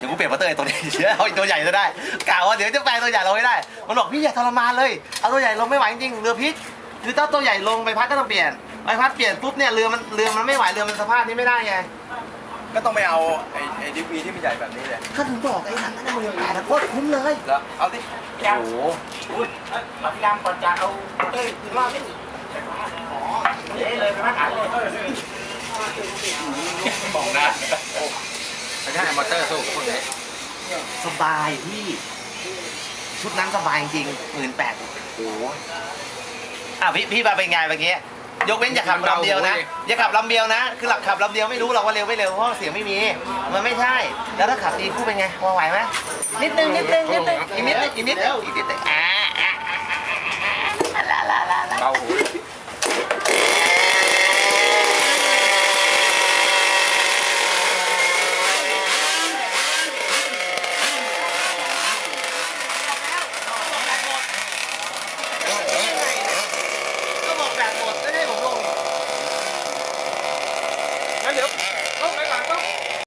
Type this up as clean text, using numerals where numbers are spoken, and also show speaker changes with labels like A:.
A: กูเปลี่ยนมอเตอร์ไอ้ตัวนี้เอาอีกตัวใหญ่จะได้กล่าวว่าเดี๋ยวจะแปลตัวใหญ่ลงไม่ได้มันบอกพี่อย่าทรมานเลยเอาตัวใหญ่ลงไม่ไหวจริงเรือพลิกคือถ้าตัวใหญ่ลงใบพัดก็ต้องเปลี่ยนใบพัดเปลี่ยนปุ๊บเนี่ยเรือมันไม่ไหวเรือมันสภาพนี้ไม่ได้ไง
B: ก็ต้องไปเอาไอ้ดิฟวีที่มันใหญ่แบบนี้เลย
A: ก็ถึงบอกไอ้นั่นน่ะมึง8โคตรคุ้มเลย
B: แล้วเอาดิ
A: โอ้โห
C: พยายามก่อนจะเอารอบนี้นี่เลยไปมาขายเลย
B: บอกนะไม่ใช่มอเตอร์สู้กับพวกนี้
A: สบายพี่ชุดนั้นสบายจริง18,000โอ้โหพี่มาเป็นไงเมื่อกี้ยกเว้นอย่าขับลำเดียวนะอย่าขับลำเดียวนะคือหลักขับลำเดียวไม่รู้หรอกว่าเร็วไม่เร็วเพราะเสียงไม่มีมันไม่ใช่แล้วถ้าขับตีคู่เป็นไงพอไหวไหมนิดนึงอีกนิดนึงอ่า
B: เบาหู